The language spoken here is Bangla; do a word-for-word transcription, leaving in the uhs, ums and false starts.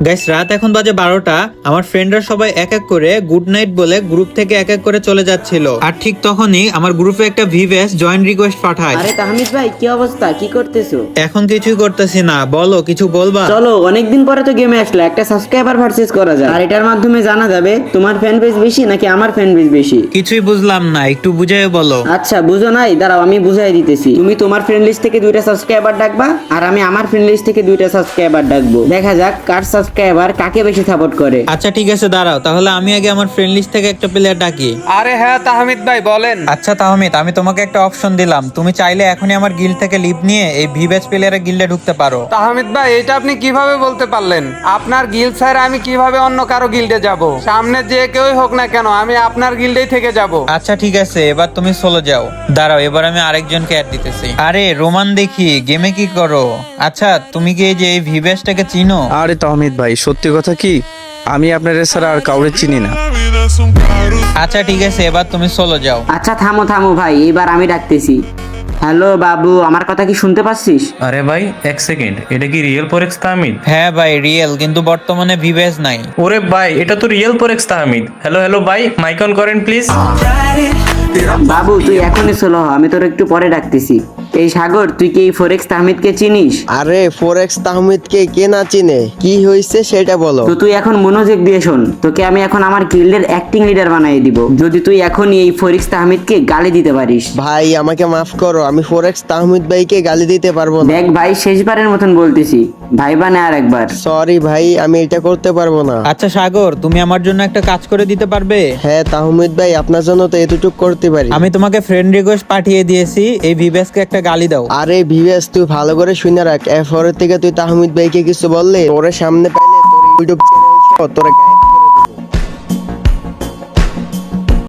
গাইস রাত এখন বাজে বারোটা। আমার ফ্রেন্ডরা সবাই এক এক করে গুড নাইট বলে গ্রুপ থেকে এক এক করে চলে যাচ্ছিল। আর ঠিক তখনই আমার গ্রুপে একটা ভিভেস জয়েন রিকোয়েস্ট পাঠায়। আরে তাহমিদ ভাই, কি অবস্থা? কি করতেছো? এখন কিছুই করতেছি না, বলো কিছু বলবা? চলো, অনেকদিন পরে তো গেমে আসলে একটা সাবস্ক্রাইবার পারচেজ করা যায়, আর এটার মাধ্যমে জানা যাবে তোমার ফ্যান বেস বেশি নাকি আমার ফ্যান বেস বেশি। কিছুই বুঝলাম না, একটু বুঝাই বলো। আচ্ছা, বুঝো নাই? দাঁড়াও আমি বুঝাই দিতেছি। তুমি তোমার ফ্রেন্ড লিস্ট থেকে দুইটা সাবস্ক্রাইবার ডাকবা, আর আমি আমার ফ্রেন্ড লিস্ট থেকে দুইটা সাবস্ক্রাইবার ডাকবো। দেখা যাক কার সাবস্ক্রাইবার কাকে বেশি সাপোর্ট করে। আচ্ছা ঠিক আছে, দাঁড়াও তাহলে আমি আগে আমার ফ্রেন্ড লিস্ট থেকে একটা প্লেয়ার ডাকি। আরে হ্যাঁ তাহমিদ ভাই বলেন। আচ্ছা তাহমিদ, আমি তোমাকে একটা অপশন দিলাম, তুমি চাইলে এখনই আমার গিল্ড থেকে লিভ নিয়ে এই ভিভেস প্লেয়ারের গিল্ডে ঢুকতে পারো। তাহমিদ ভাই, এটা আপনি কিভাবে বলতে পারলেন? আপনার গিল্ড স্যার, আমি কিভাবে অন্য কারো গিল্ডে যাব? সামনে যে কেউই হোক না কেন, আমি আপনার গিল্ডেই থেকে যাব। আচ্ছা ঠিক আছে, এবার তুমি সোলো যাও। দাঁড়াও, এবার আমি আরেকজনকে অ্যাড দিতেছি। আরে রোমান, দেখি গেমে কি করো। আচ্ছা তুমি কি এই যে এই ভিভেসটাকে চিনো? আরে তাহমিদ ভাই, সত্যি কথা কি, আমি আপনার ছাড়া আর কাউরে চিনি না। আচ্ছা ঠিক আছে, এবার তুমি সোলো যাও। আচ্ছা থামো থামো ভাই, এবার আমি ডাকতেছি। হ্যালো বাবু, আমার কথা কি শুনতে পাচ্ছিস? আরে ভাই এক সেকেন্ড, এটা কি রিয়েল ফরেক্স তাহমিদ? হ্যাঁ ভাই রিয়েল, কিন্তু বর্তমানে ভিভেস নাই। ওরে ভাই, এটা তো real forex Tahmid. Hello hello ভাই, মাইক অন করেন প্লিজ। বাবু তুই এখনই চলো, আমি তোর একটু পরে ডাকতেছি। এই সাগর, তুই কি এই ফরেক্স তাহমিদকে চিনিস? আরে ফরেক্স তাহমিদকে কে না চিনে, কি হয়েছে সেটা বলো। তো তুই এখন মনোযোগ দিয়ে শোন, তোকে আমি এখন আমার গিল্ডের অ্যাক্টিং লিডার বানিয়ে দিব, যদি তুই এখনই এই ফরেক্স তাহমিদকে গালি দিতে পারিস। ভাই আমাকে মাফ করো, আমি ফরেক্স তাহমিদ ভাইকে গালি দিতে পারবো না। দেখ ভাই, শেষবারের মতন বলতেছি, ভাই বানে আর একবার। সরি ভাই, আমি এটা করতে পারবো না। আচ্ছা সাগর, তুমি আমার জন্য একটা কাজ করে দিতে পারবে? হ্যাঁ তাহমিদ ভাই, আপনার জন্য তো এতটুকু করতে পারি। আমি তোমাকে ফ্রেন্ড রিকোয়েস্ট পাঠিয়ে দিয়েছি, এই ভিভেসকে একটা গালি দাও। আরে ভিভেস, তুই ভালো করে শুনে রাখ, এরপরের থেকে তুই তাহমিদ ভাইকে কিছু বললে তোরে সামনে পাইলে তোর ইউটিউব চ্যানেল তোরে গায়েব করে